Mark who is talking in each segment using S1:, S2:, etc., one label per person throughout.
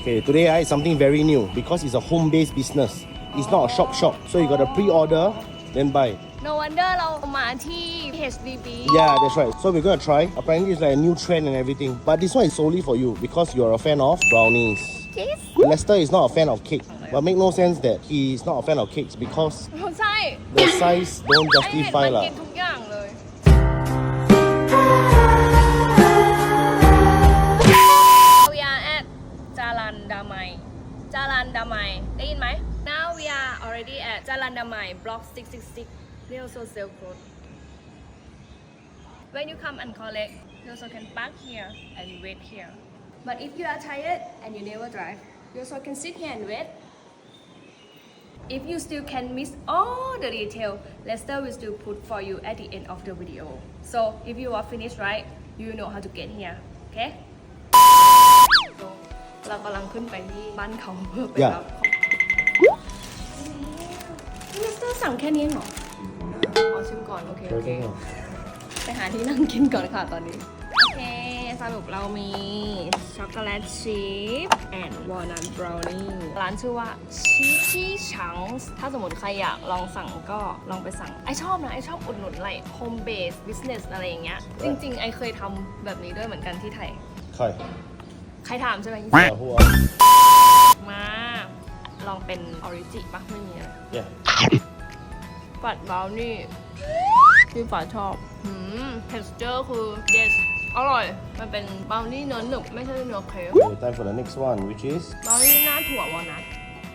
S1: Okay, today is something very new because it's a home-based business. It's not a shop. So you got to pre-order, then buy.
S2: No wonder เรามาที่ HDB
S1: Yeah, that's right. So we're gonna try. Apparently it's like a new trend and everything. But this one is solely for you because you're a fan of brownies.
S2: Yes
S1: Lester is not a fan of cake. But make no sense that he is not a fan of cakes because
S2: ใช่
S1: the size don't
S2: ไอเห็น
S1: justify
S2: มัน
S1: lah.
S2: กินทุกอย่างเลย We are at จารันดามัยได้ยินไหม Now we are already at จารันดามัย block 666 They also sell clothes When you come and collect you also can park here and wait here But if you are tired and you never drive you also can sit here and wait If you still can miss all the detail, Lester will still put for you at the end of the video. So if you are finished right, you know how to get here. Okay? So เรากำลังขึ้นไปที่บ้านเขาเพื่อไปรับของเลสเตอร์สั่งแค่นี้เหรอขอชิมก่อนโอเคไปหาที่นั่งกินก่อนค่ะตอนนี้โอเคสรุปเรามีช็อกโกแลตชีสแอนด์วอลนัทบราวนี่ร้านชื่อว่าชีชังถ้าสมมติใครอยากลองสั่งก็ลองไปสั่งไอชอบนะไอชอบอุดหนุนอะไรโฮมเบสบิสเนสอะไรอย่างเงี้ยจริงๆไอเคยทำแบบนี้ด้วยเหมือนกันที่ไทย ใครถามใช่ไหม มาลองเป็นออริจิปะไม่มีอะไร
S1: Yeah.
S2: ปัดบราวนี่ที่ฝาชอบtexture คือ yes อร่อย มันเป็นบราวนี่เนื้อหนึบไม่ใช่เนื้อเค้ก
S1: Okay, time for the next one, which is
S2: บราวนี่หน้าถั่ววอลนัท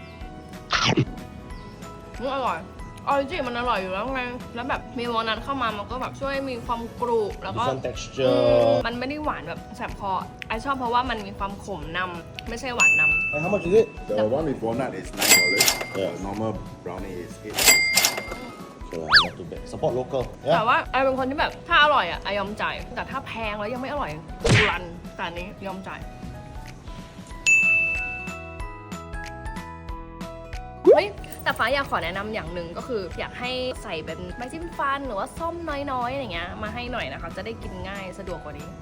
S2: อร่อยออริจิมันอร่อยอยู่แล้วไงแล้วแบบมีวอลนัทเข้ามามันก็แบบช่วยมีความกรุบแล้วก็
S1: different texture.
S2: มันไม่ได้หวานแบบแสบคอไอชอบเพราะว่ามันมีความขมนำไม่ใช่หวานนำ
S1: And how much is it?
S3: The one with walnut is $9.
S1: Yeah.
S3: The normal brownie is $8.
S1: Okay, not too bad. Support local.
S2: แต่
S1: Yeah.
S2: ว่าไอเป็นคนที่แบบถ้าอร่อยอ่ะไอยอมจ่ายแต่ถ้าแพงแล้วยังไม่อร่อยรันแต่อันนี้ยอมจ่ายเฮ้ยแต่ฟ้าอยากขอแนะนำอย่างหนึ่งก็คืออยากให้ใส่เป็นไม้จิ้มฟันหรือว่าส้มน้อยๆอย่างเงี้ยมาให้หน่อยนะคะจะได้กินง่ายสะดวกกว่านี้